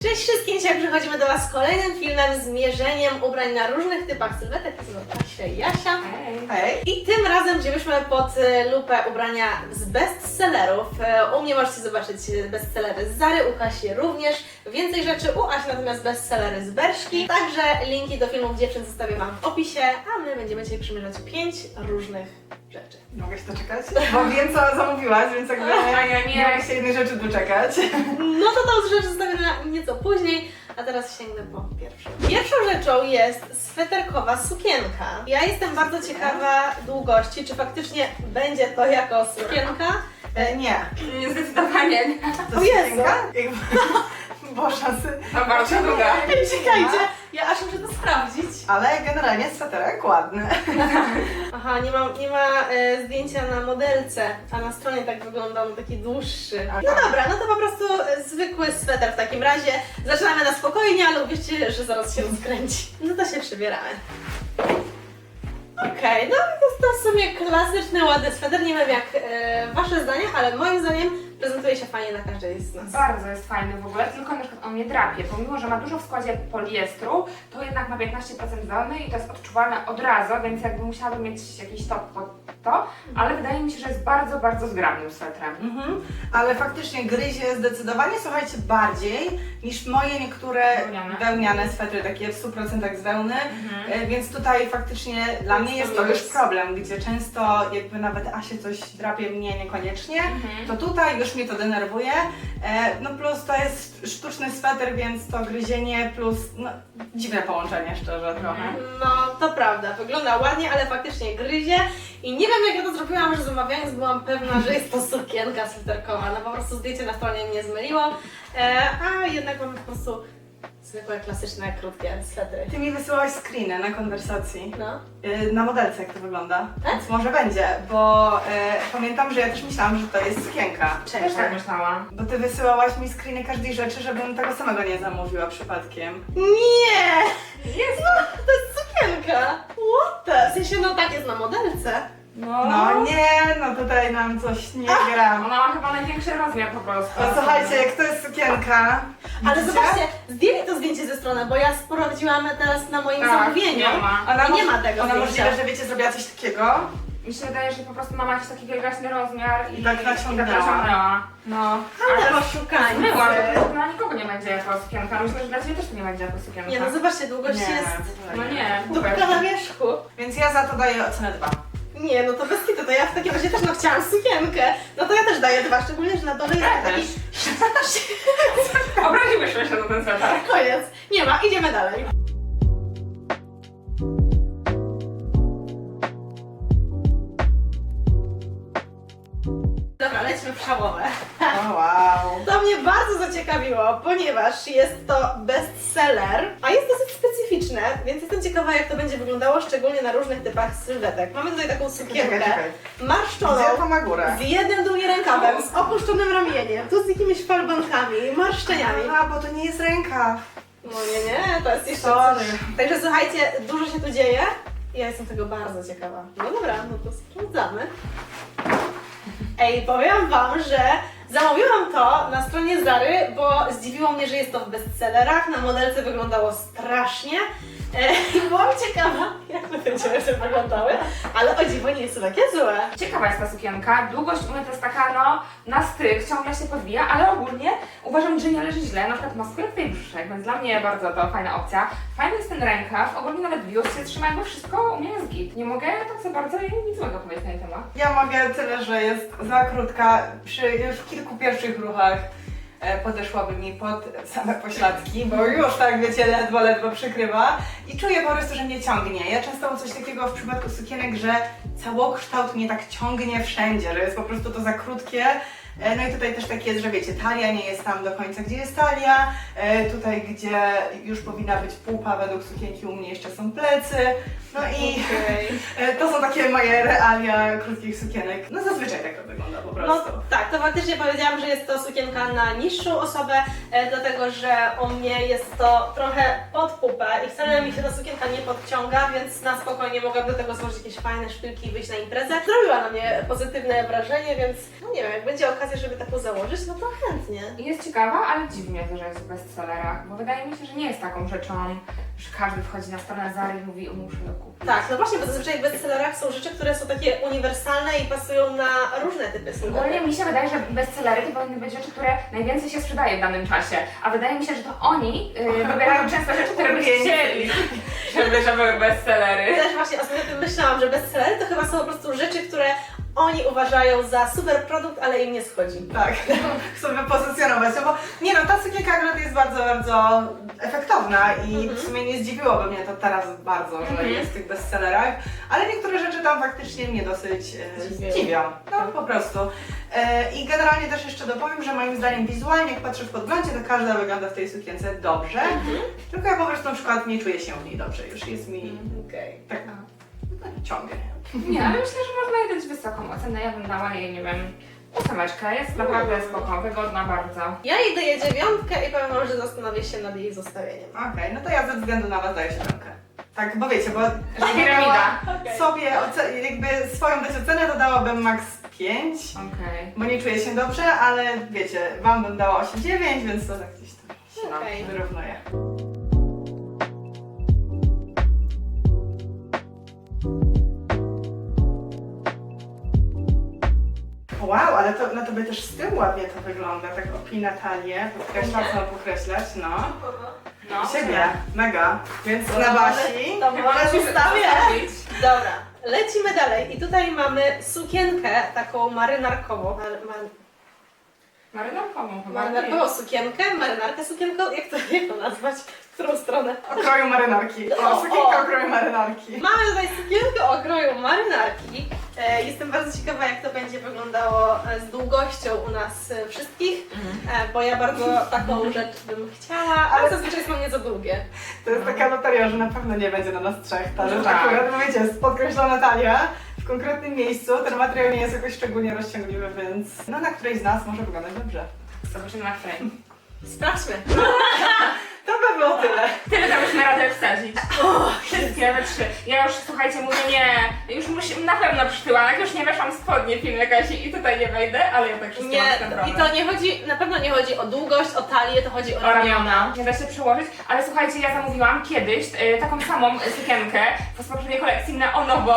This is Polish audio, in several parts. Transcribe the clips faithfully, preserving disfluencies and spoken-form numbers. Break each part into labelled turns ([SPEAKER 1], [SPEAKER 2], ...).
[SPEAKER 1] Cześć wszystkim, dzisiaj przychodzimy do Was z kolejnym filmem z mierzeniem ubrań na różnych typach sylwetek. To są Kasia i Jasia.
[SPEAKER 2] Hej.
[SPEAKER 1] Hej. I tym razem wzięłyśmy pod e, lupę ubrania z bestsellerów. E, U mnie możecie zobaczyć bestsellery z Zary, u Kasi również. Więcej rzeczy u Asi, natomiast bestsellery z Berszki. Także linki do filmów dziewczyn zostawię Wam w opisie, a my będziemy dzisiaj przymierzać pięć różnych rzeczy.
[SPEAKER 2] Mogę się doczekać? Bo wiem, co zamówiłaś, więc jakby
[SPEAKER 3] A ja nie.
[SPEAKER 2] nie mogę się jednej rzeczy doczekać.
[SPEAKER 1] No to tą rzecz zostawię na nieco później, a teraz sięgnę po pierwszą. Pierwszą rzeczą jest sweterkowa sukienka. Ja jestem bardzo ciekawa długości, czy faktycznie będzie to jako sukienka.
[SPEAKER 2] E, nie.
[SPEAKER 3] Zdecydowanie nie.
[SPEAKER 2] To
[SPEAKER 1] O Jezu.
[SPEAKER 2] sukienka? Jakby... Bo szansy.
[SPEAKER 3] To bardzo długa.
[SPEAKER 1] Ej, czekajcie, ja aż muszę to sprawdzić.
[SPEAKER 2] Ale generalnie sweterek ładny.
[SPEAKER 1] Aha, nie ma, nie ma e, zdjęcia na modelce, a na stronie tak wygląda on taki dłuższy. No dobra, no to po prostu e, zwykły sweter w takim razie. Zaczynamy na spokojnie, ale uwierzcie, że zaraz się rozkręci. No to się przybieramy. Okej, no jest to w sumie klasyczny, ładny sweter. Nie wiem jak e, Wasze zdanie, ale moim zdaniem prezentuje się fajnie na każdej z nas.
[SPEAKER 3] Bardzo jest fajny w ogóle, tylko na przykład on nie drapie. Pomimo, że ma dużo w składzie poliestru, to jednak ma piętnaście procent wełny i to jest odczuwalne od razu, więc jakby musiałabym mieć jakiś top pod to, ale wydaje mi się, że jest bardzo, bardzo zgrabnym swetrem.
[SPEAKER 2] Mhm. Ale faktycznie gryzie zdecydowanie, słuchajcie, bardziej niż moje niektóre
[SPEAKER 3] Wełniane.
[SPEAKER 2] wełniane swetry, takie w stu procentach z wełny.
[SPEAKER 3] Mhm.
[SPEAKER 2] E, Więc tutaj faktycznie dla mnie jest to już problem, gdzie często jakby nawet Asie coś drapie, mnie niekoniecznie.
[SPEAKER 3] Mhm.
[SPEAKER 2] To tutaj już mnie to denerwuje. E, no plus to jest sztuczny sweter, więc to gryzienie plus no, dziwne połączenie szczerze trochę.
[SPEAKER 1] No, to prawda, wygląda ładnie, ale faktycznie gryzie. I nie wiem jak ja to zrobiłam, że zamawiając byłam pewna, że jest to sukienka sweterkowa. No po prostu zdjęcie na stronie mnie zmyliło, e, a jednak mamy po prostu zwykłe, klasyczne, krótkie swetry.
[SPEAKER 2] Ty mi wysyłałaś screeny na konwersacji.
[SPEAKER 1] No.
[SPEAKER 2] Y, Na modelce jak to wygląda,
[SPEAKER 1] Tak?
[SPEAKER 2] więc może będzie, bo e, pamiętam, że ja też myślałam, że to jest sukienka.
[SPEAKER 3] Też tak myślałam.
[SPEAKER 2] Bo ty wysyłałaś mi screeny każdej rzeczy, żebym tego samego nie zamówiła przypadkiem.
[SPEAKER 1] Nie! Jest! No, to jest sukienka! What the? W sensie, no tak jest na modelce.
[SPEAKER 3] No,
[SPEAKER 2] No nie, no tutaj nam coś nie gra.
[SPEAKER 3] Ona ma chyba największy rozmiar po prostu.
[SPEAKER 2] No słuchajcie, jak to jest sukienka.
[SPEAKER 1] Ale
[SPEAKER 2] widzicie?
[SPEAKER 1] zobaczcie, zdjęli to zdjęcie ze strony, bo ja sprawdziłam teraz na moim
[SPEAKER 3] Tak,
[SPEAKER 1] zamówieniu.
[SPEAKER 3] nie ma.
[SPEAKER 2] Ona
[SPEAKER 1] I nie
[SPEAKER 2] mo-
[SPEAKER 1] ma tego
[SPEAKER 2] Ona
[SPEAKER 1] zdjęcia.
[SPEAKER 2] możliwe, że wiecie, zrobiła coś takiego.
[SPEAKER 3] Mi się wydaje, że po prostu ma jakiś taki wielgaśny rozmiar i,
[SPEAKER 2] I tak naciągnęła.
[SPEAKER 3] i tak naciągnęła. No.
[SPEAKER 1] Ale
[SPEAKER 3] Ale
[SPEAKER 1] oszukańcy.
[SPEAKER 3] Zmyła, to na nikogo nie będzie jako sukienka. Myślę, że dla Ciebie też to nie będzie jako sukienka.
[SPEAKER 1] Nie no, zobaczcie, długość
[SPEAKER 2] Nie,
[SPEAKER 1] jest
[SPEAKER 3] No nie,
[SPEAKER 1] dupka na wierzchu.
[SPEAKER 2] Więc ja za to daję ocenę dwa.
[SPEAKER 1] Nie, no to bez kitu, to ja w takim razie też no chciałam sukienkę. No to ja też daję dwa, szczególnie, że na dole jest
[SPEAKER 3] Ja
[SPEAKER 1] taki...
[SPEAKER 3] Obraziłyśmy się na ten sweter.
[SPEAKER 1] Koniec. Nie ma, idziemy dalej. Dobra, lećmy w szałowe.
[SPEAKER 2] O, wow.
[SPEAKER 1] To mnie bardzo zaciekawiło, ponieważ jest to bestseller, a jest dosyć specyficzne, więc jestem ciekawa jak to będzie wyglądało, szczególnie na różnych typach sylwetek. Mamy tutaj taką sukienkę
[SPEAKER 2] Czekaj, czekaj.
[SPEAKER 1] marszczoną,
[SPEAKER 2] Gdzie to ma górę?
[SPEAKER 1] z jednym długim rękawem, z opuszczonym ramieniem, tu z jakimiś falbankami, marszczeniami.
[SPEAKER 2] A, bo to nie jest ręka.
[SPEAKER 1] No nie, nie, to jest jeszcze
[SPEAKER 2] Sorry.
[SPEAKER 1] coś. Także słuchajcie, dużo się tu dzieje i ja jestem tego bardzo ciekawa. No dobra, no to sprawdzamy. Ej, powiem Wam, że zamówiłam to na stronie Zary, bo zdziwiło mnie, że jest to w bestsellerach. Na modelce wyglądało strasznie. E, I byłam ciekawa, jak te będziemy się wyglądały, ale o dziwo nie jest to takie złe.
[SPEAKER 3] Ciekawa jest ta sukienka. Długość u mnie to jest taka, no, na styk, ciągle się podwija, ale ogólnie uważam, że nie leży źle. Na przykład ma sklepy i brzuszek, więc dla mnie bardzo to fajna opcja. Fajny jest ten rękaw, ogólnie nawet biust się trzyma, jakby wszystko u mnie jest git. Nie mogę tak za bardzo nic złego powiedzieć na ten temat.
[SPEAKER 2] Ja mogę tyle, że jest za krótka. Przy już w kilku pierwszych ruchach e, podeszłaby mi pod same pośladki, bo już tak wiecie, ledwo, ledwo przykrywa i czuję po prostu, że mnie ciągnie. Ja często mam coś takiego w przypadku sukienek, że całokształt mnie tak ciągnie wszędzie, że jest po prostu to za krótkie. E, No i tutaj też tak jest, że wiecie, talia nie jest tam do końca, gdzie jest talia. E, Tutaj, gdzie już powinna być pupa według sukienki, u mnie jeszcze są plecy. No i
[SPEAKER 1] Okej.
[SPEAKER 2] e, to są takie moje realia krótkich sukienek. No zazwyczaj tak to wygląda po
[SPEAKER 1] No
[SPEAKER 2] prostu.
[SPEAKER 1] tak, to faktycznie powiedziałam, że jest to sukienka na niższą osobę, e, dlatego że u mnie jest to trochę pod pupę i wcale mi się ta sukienka nie podciąga, więc na spokojnie mogłam do tego złożyć jakieś fajne szpilki i wyjść na imprezę. Zrobiła na mnie pozytywne wrażenie, więc no nie wiem, jak będzie okazja, okazję, żeby taką założyć, no to chętnie.
[SPEAKER 3] I jest ciekawa, ale dziwi mnie to, że jest w bestsellerach, bo wydaje mi się, że nie jest taką rzeczą, że każdy wchodzi na stronę Zary i mówi, o muszę ją kupić.
[SPEAKER 1] Tak, no właśnie, bo zazwyczaj w bestsellerach są rzeczy, które są takie uniwersalne i pasują na różne typy
[SPEAKER 3] Ogólnie
[SPEAKER 1] smaków.
[SPEAKER 3] mi się wydaje, że bestsellery to powinny być rzeczy, które najwięcej się sprzedaje w danym czasie, a wydaje mi się, że to oni yy, wybierają często rzeczy, które by chcieli, żeby, żeby były bestsellery.
[SPEAKER 1] Też właśnie ostatnio o tym myślałam, że bestsellery to chyba są po prostu rzeczy, które oni uważają za super produkt, ale im nie schodzi.
[SPEAKER 2] Tak, chcę wypozycjonować, no bo nie no, ta sukienka akurat jest bardzo, bardzo efektowna i
[SPEAKER 1] Mhm.
[SPEAKER 2] w sumie nie zdziwiłoby mnie to teraz bardzo, że
[SPEAKER 3] Mhm.
[SPEAKER 2] jest w tych bestsellerach, ale niektóre rzeczy tam faktycznie mnie dosyć e,
[SPEAKER 1] Dziwią.
[SPEAKER 2] zdziwią, no po prostu. E, I generalnie też jeszcze dopowiem, że moim zdaniem wizualnie, jak patrzę w podglądzie, to każda wygląda w tej sukience dobrze,
[SPEAKER 1] Mhm.
[SPEAKER 2] tylko ja po prostu na przykład nie czuję się w niej dobrze, już jest mi
[SPEAKER 1] Okej.
[SPEAKER 2] tak ciągnie.
[SPEAKER 3] Nie, ale myślę, że można jej dać wysoką ocenę, ja bym dała jej, nie wiem, ósemeczkę, jest naprawdę spoko, wygodna bardzo.
[SPEAKER 1] Ja jej daję dziewiątkę i powiem wam, że zastanowię się nad jej zostawieniem.
[SPEAKER 2] Okej, no to ja ze względu na was daję siódemkę. Tak, bo wiecie, bo
[SPEAKER 3] Że piramida.
[SPEAKER 1] Okej.
[SPEAKER 2] sobie oce- jakby swoją dać ocenę, to dałabym max pięć,
[SPEAKER 3] Okej.
[SPEAKER 2] bo nie czuję się dobrze, ale wiecie, wam bym dała osiem dziewięć, więc to tak gdzieś tam się
[SPEAKER 1] Okej.
[SPEAKER 2] wyrównuję. Wow, ale to na tobie też z tyłu ładnie to wygląda, tak opina talię, podkreślać, no podkreślać, no.
[SPEAKER 3] No,
[SPEAKER 2] Siebie, mega, więc na Basi.
[SPEAKER 1] To może
[SPEAKER 3] Możesz
[SPEAKER 1] zostawię.
[SPEAKER 3] zostawić.
[SPEAKER 1] Dobra, lecimy dalej. I tutaj mamy sukienkę taką marynarkową. Mar, mar,
[SPEAKER 3] Marynarkową chyba.
[SPEAKER 1] marynarkową sukienkę, marynarkę sukienką. Jak to, jak to nazwać? W którą stronę?
[SPEAKER 2] O kroju marynarki.
[SPEAKER 1] O,
[SPEAKER 2] O, sukienka
[SPEAKER 1] o.
[SPEAKER 2] o kroju marynarki.
[SPEAKER 1] Mamy tutaj sukienkę o kroju marynarki. E, jestem bardzo ciekawa, jak to będzie wyglądało e, z długością u nas e, wszystkich, e, bo ja bardzo taką rzecz bym chciała, ale zazwyczaj są nie za długie.
[SPEAKER 2] To jest taka loteria, że na pewno nie będzie na nas trzech. Ta rzecz
[SPEAKER 3] Tak.
[SPEAKER 2] akurat, bo wiecie, jest podkreślona talia w konkretnym miejscu. Ten materiał nie jest jakoś szczególnie rozciągliwy, więc no na którejś z nas może wyglądać dobrze.
[SPEAKER 3] Zobaczymy na frame.
[SPEAKER 1] Sprawdźmy.
[SPEAKER 2] To by było tyle.
[SPEAKER 3] Tyle dałyśmy radę wsadzić. Wszystkie we trzy. Ja już, słuchajcie, mówię nie, już musi, na pewno przytyłam, jak już nie weszłam w spodnie film jakaś i tutaj nie wejdę, ale ja tak wszystko
[SPEAKER 1] Nie,
[SPEAKER 3] mam z tym problem.
[SPEAKER 1] i to nie chodzi, na pewno nie chodzi o długość, o talię, to chodzi o
[SPEAKER 3] O
[SPEAKER 1] ramiona.
[SPEAKER 3] ramiona. Nie da się przełożyć, ale słuchajcie, ja zamówiłam kiedyś y, taką samą sukienkę w poprzedniej kolekcji neonową.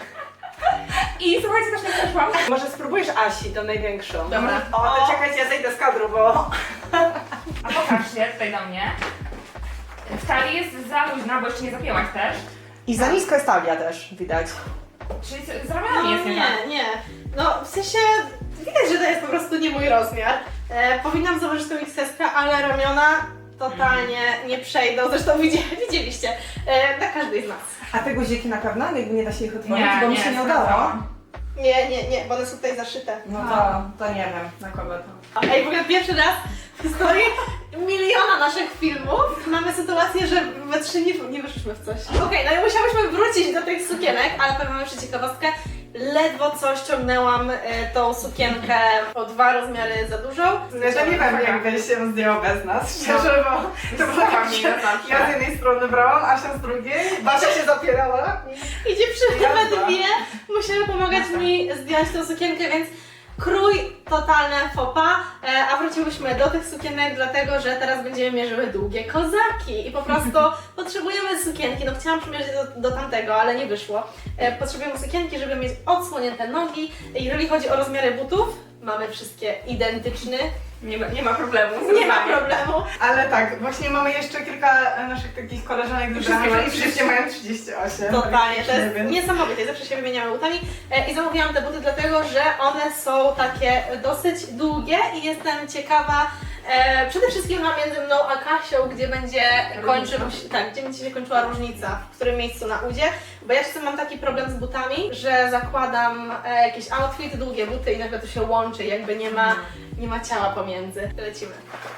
[SPEAKER 3] I słuchajcie, też nie przeszłam.
[SPEAKER 2] Może spróbujesz Asi, tą największą.
[SPEAKER 1] Dobra.
[SPEAKER 2] O, to czekajcie, ja zejdę z kadru, bo...
[SPEAKER 3] A pokaż się tutaj do mnie. W talii jest za luźna, bo jeszcze nie zapięłaś też.
[SPEAKER 2] I za nisko jest talia też, widać.
[SPEAKER 3] Czyli z, z
[SPEAKER 1] No
[SPEAKER 3] ramionami jest nie tak.
[SPEAKER 1] nie, nie. No w sensie widać, że to jest po prostu nie mój rozmiar. E, powinnam założyć tą X S, ale ramiona totalnie nie przejdą. Zresztą widzieli, widzieliście e, na każdej z nas.
[SPEAKER 2] A te guziki na pewno? Jakby nie da się ich otworzyć,
[SPEAKER 3] Nie,
[SPEAKER 2] bo mi
[SPEAKER 3] nie,
[SPEAKER 2] się nie udało.
[SPEAKER 3] sprawdzałam.
[SPEAKER 1] Nie, nie, nie, bo one są tutaj zaszyte.
[SPEAKER 2] No to, to nie wiem, na kogo to.
[SPEAKER 1] Ej, w ogóle pierwszy raz w historii miliona naszych filmów mamy sytuację, że we trzy nie, nie wyszliśmy w coś. Okej, no i musiałyśmy wrócić do tych sukienek, ale powiem wam jeszcze ciekawostkę. Ledwo co ściągnęłam e, tą sukienkę o dwa rozmiary za dużą.
[SPEAKER 2] Ja to nie wiem, jakby się zdjęło bez nas, szczerze, bo to było tak,
[SPEAKER 3] mi
[SPEAKER 2] że
[SPEAKER 3] na zawsze.
[SPEAKER 2] ja z jednej strony brałam, Asia z drugiej, Basia się zapierała.
[SPEAKER 1] I dziewczyny
[SPEAKER 2] Jazda.
[SPEAKER 1] we dwie musiały pomagać mi zdjąć tą sukienkę, więc krój totalne fopa, e, a wróciłyśmy do tych sukienek dlatego, że teraz będziemy mierzyły długie kozaki i po prostu potrzebujemy sukienki, no chciałam przymierzyć do, do tamtego, ale nie wyszło. E, potrzebujemy sukienki, żeby mieć odsłonięte nogi. Jeżeli chodzi o rozmiary butów, mamy wszystkie identyczne,
[SPEAKER 3] Nie ma, nie ma problemu.
[SPEAKER 1] nie ma problemu.
[SPEAKER 2] Ale tak, właśnie mamy jeszcze kilka e, naszych takich koleżanek z
[SPEAKER 3] Wszystkie
[SPEAKER 2] Ubrania
[SPEAKER 3] mają
[SPEAKER 2] i wszystkie mają trzydzieści osiem.
[SPEAKER 1] Totalnie, to jest
[SPEAKER 2] Więc-
[SPEAKER 1] niesamowite. Zawsze się wymieniamy butami e, i zamówiłam te buty dlatego, że one są takie dosyć długie i jestem ciekawa e, przede wszystkim chyba między mną a Kasią, gdzie będzie kończył, tak, gdzie będzie się kończyła różnica, w którym miejscu na udzie, bo ja czasem mam taki problem z butami, że zakładam e, jakiś outfit, długie buty i nagle to się łączy, jakby nie ma, nie ma ciała pomiędzy. Lecimy.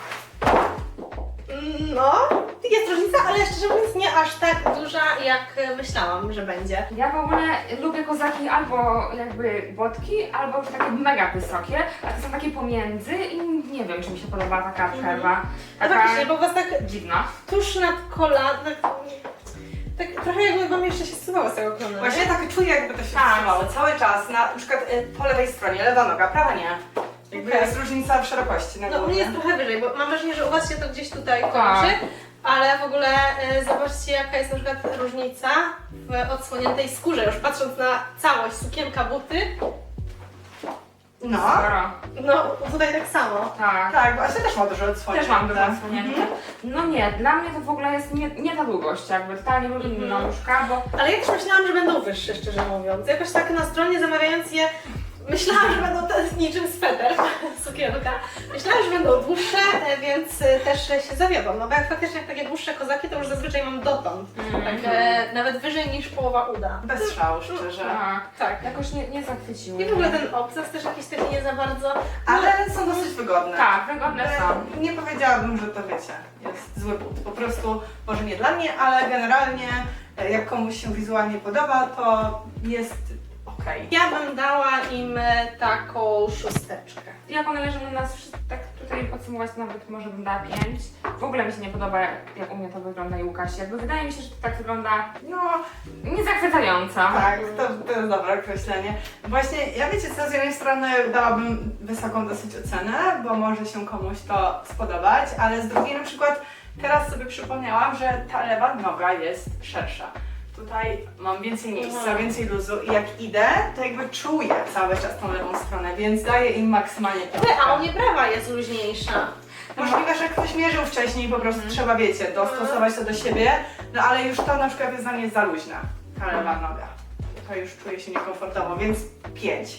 [SPEAKER 1] No, jest różnica, ale szczerze mówiąc nie aż tak duża, jak myślałam, że będzie.
[SPEAKER 3] Ja w ogóle lubię kozaki albo jakby botki, albo takie mega wysokie, a to są takie pomiędzy i nie wiem, czy mi się podoba taka przerwa.
[SPEAKER 1] A
[SPEAKER 3] Taka
[SPEAKER 1] faktycznie, bo was tak
[SPEAKER 3] dziwna.
[SPEAKER 1] tuż nad kolana, tak, tak trochę jakby wam jeszcze się zsuwało z tego kolana.
[SPEAKER 2] Właśnie tak czuję, jakby to się
[SPEAKER 3] Tak.
[SPEAKER 2] wstrzymało cały czas, na, na przykład y, po lewej stronie, lewa noga, prawa nie. Jakby
[SPEAKER 1] Okej.
[SPEAKER 2] jest różnica w szerokości na
[SPEAKER 1] No u
[SPEAKER 2] głowie.
[SPEAKER 1] mnie jest trochę wyżej, bo mam wrażenie, że u Was się to gdzieś tutaj
[SPEAKER 3] Tak.
[SPEAKER 1] kończy, ale w ogóle y, zobaczcie jaka jest na przykład różnica w odsłoniętej skórze, już patrząc na całość, sukienka, buty,
[SPEAKER 2] No,
[SPEAKER 3] Sporo.
[SPEAKER 1] no tutaj tak samo.
[SPEAKER 3] Tak.
[SPEAKER 2] tak, bo Asia też ma dużo odsłonięte.
[SPEAKER 3] Też mam dużo odsłonięte. No nie, dla mnie to w ogóle jest nie, nie ta długość, jakby totalnie lubię
[SPEAKER 1] Mhm.
[SPEAKER 3] nóżka, bo
[SPEAKER 1] Ale ja też myślałam, że będą wyższe, szczerze mówiąc. Jakoś tak na stronie zamawiając je, myślałam, że będą te, niczym sweter, sukienka. Myślałam, że będą dłuższe, e, więc e, też się zawiodłam. No bo jak faktycznie jak takie dłuższe kozaki, to już zazwyczaj mam dotąd. Tak, e, nawet wyżej niż połowa uda.
[SPEAKER 2] Bez szału, szczerze.
[SPEAKER 3] tak,
[SPEAKER 1] Tak.
[SPEAKER 3] jakoś nie, nie zachwyciły.
[SPEAKER 1] I w ogóle ten obcas też jakiś taki nie za bardzo.
[SPEAKER 2] Ale są dosyć wygodne.
[SPEAKER 3] Tak, wygodne są.
[SPEAKER 2] Ale nie powiedziałabym, że to wiecie, jest zły but. Po prostu, może nie dla mnie, ale generalnie e, jak komuś się wizualnie podoba, to jest okej.
[SPEAKER 1] Ja bym dała im e, taką szósteczkę.
[SPEAKER 3] Jak one leżą na nas, wszyscy- tak tutaj podsumować, to nawet może bym dała pięć. W ogóle mi się nie podoba, jak, jak u mnie to wygląda i Łukasz. Jakby wydaje mi się, że to tak wygląda
[SPEAKER 2] No,
[SPEAKER 3] niezachwycająco.
[SPEAKER 2] tak, to, to jest dobre określenie. Właśnie, ja wiecie co, z jednej strony dałabym wysoką dosyć ocenę, bo może się komuś to spodobać, ale z drugiej na przykład teraz sobie przypomniałam, że ta lewa noga jest szersza. Tutaj mam więcej miejsca,
[SPEAKER 1] Mhm.
[SPEAKER 2] więcej luzu i jak idę, to jakby czuję cały czas tą lewą stronę, więc daję im maksymalnie
[SPEAKER 1] Ty,
[SPEAKER 2] piątkę.
[SPEAKER 1] a u mnie prawa jest luźniejsza.
[SPEAKER 2] Możliwe, że ktoś mierzył wcześniej i po prostu trzeba, wiecie, dostosować to do siebie, no ale już to na przykład jest dla mnie za luźna, ta lewa noga. To już czuję się niekomfortowo, więc pięć.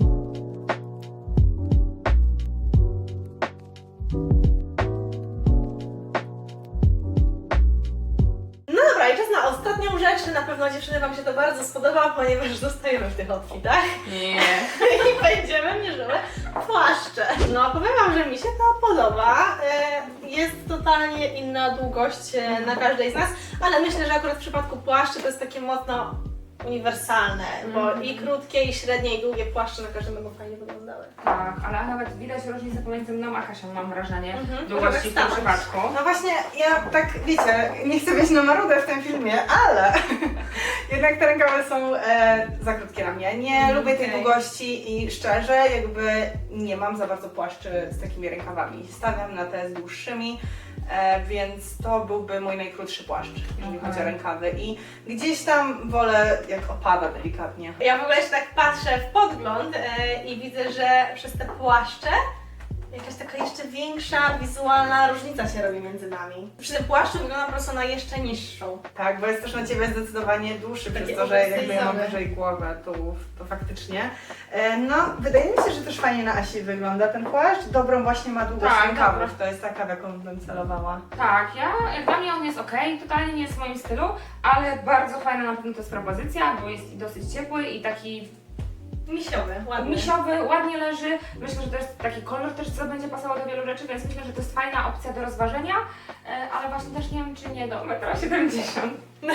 [SPEAKER 1] No dobra, i czas na ostatnią rzecz. Na pewno dziewczyny Wam się to bardzo spodoba, ponieważ zostajemy w tych outfitach
[SPEAKER 3] Nie.
[SPEAKER 1] i będziemy mierzyły płaszcze. No powiem Wam, że mi się to podoba. E, Jest totalnie inna długość e, na każdej z nas, ale myślę, że akurat w przypadku płaszczy to jest takie mocno uniwersalne, bo
[SPEAKER 3] Mhm.
[SPEAKER 1] i krótkie, i średnie, i długie płaszcze na każdym będą fajnie wyglądały.
[SPEAKER 3] Tak, ale nawet widać różnicę pomiędzy mną a Kasią, mam wrażenie,
[SPEAKER 1] Mhm.
[SPEAKER 3] długości
[SPEAKER 1] Może
[SPEAKER 3] w
[SPEAKER 1] tak
[SPEAKER 3] tym
[SPEAKER 1] stanąć.
[SPEAKER 3] przypadku.
[SPEAKER 2] No właśnie, ja tak, wiecie, nie chcę być na marudę w tym filmie, ale jednak te rękawy są e, za krótkie na mnie. Nie
[SPEAKER 1] Mm,
[SPEAKER 2] lubię tej
[SPEAKER 1] okej.
[SPEAKER 2] długości i szczerze jakby nie mam za bardzo płaszczy z takimi rękawami. Stawiam na te z dłuższymi, e, więc to byłby mój najkrótszy płaszcz, jeżeli
[SPEAKER 3] Okej.
[SPEAKER 2] chodzi o rękawy. I gdzieś tam wolę, jak opada delikatnie.
[SPEAKER 1] Ja w ogóle się tak patrzę w podgląd e, i widzę, że przez te płaszcze jakaś taka jeszcze większa wizualna różnica się robi między nami. Przy tym płaszczu wygląda po prostu na jeszcze niższą.
[SPEAKER 2] Tak, bo jest też na Ciebie zdecydowanie dłuższy,
[SPEAKER 1] Takie
[SPEAKER 2] przez to, że jakby ja mam
[SPEAKER 1] oversize'owe.
[SPEAKER 2] wyżej głowę, tu, to faktycznie. E, no, wydaje mi się, że też fajnie na Asi wygląda ten płaszcz. Dobrą właśnie ma długość
[SPEAKER 3] Tak,
[SPEAKER 2] rękawów,
[SPEAKER 3] dobra.
[SPEAKER 2] to jest taka, w jaką bym celowała.
[SPEAKER 3] Tak, ja, jak dla mnie on jest ok, totalnie nie jest w moim stylu, ale bardzo fajna na pewno to jest propozycja, bo jest i dosyć ciepły i taki
[SPEAKER 1] Misiowy, ładny.
[SPEAKER 3] misiowy, ładnie leży. Myślę, że to jest taki kolor też, co będzie pasował do wielu rzeczy, więc myślę, że to jest fajna opcja do rozważenia, e, ale właśnie też nie wiem, czy nie do metra siedemdziesiąt.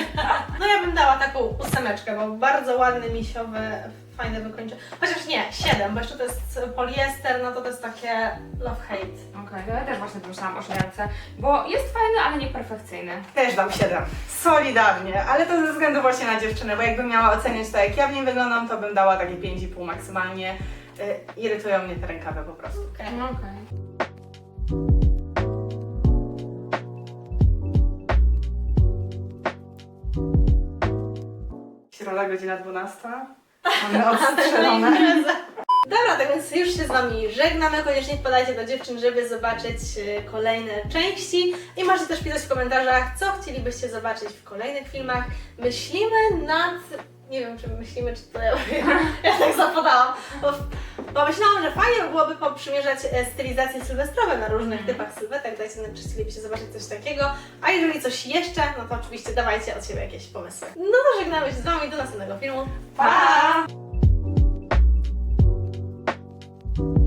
[SPEAKER 1] No ja bym dała taką ósemeczkę, bo bardzo ładny, misiowy, fajne wykończenie. Chociaż nie, siedem, bo jeszcze to jest poliester, no to to jest takie love-hate.
[SPEAKER 3] Okej, to ja też właśnie pomyślałam o siedemce, bo jest fajny, ale nie perfekcyjny.
[SPEAKER 2] Też dam siedem. Solidarnie, ale to ze względu właśnie na dziewczynę, bo jakbym miała oceniać to, jak ja w nim wyglądam, to bym dała takie pięć i pół maksymalnie. Y, irytują mnie te rękawy po prostu.
[SPEAKER 1] Okay.
[SPEAKER 3] No okej.
[SPEAKER 2] Środa, godzina dwunasta. Mamy odstrzelone.
[SPEAKER 1] Dobra, tak więc już się z Wami żegnamy. Koniecznie wpadajcie do dziewczyn, żeby zobaczyć e, kolejne części. I możecie też pisać w komentarzach, co chcielibyście zobaczyć w kolejnych filmach. Myślimy nad... Nie wiem, czy myślimy, czy to ja, ja tak zapodałam. Bo, bo myślałam, że fajnie by byłoby poprzymierzać e, stylizacje sylwestrowe na różnych typach sylwetek. Dajcie znać, czy chcielibyście zobaczyć coś takiego. A jeżeli coś jeszcze, no to oczywiście dawajcie od siebie jakieś pomysły. No to żegnamy się z Wami do następnego filmu. Pa!
[SPEAKER 2] Pa!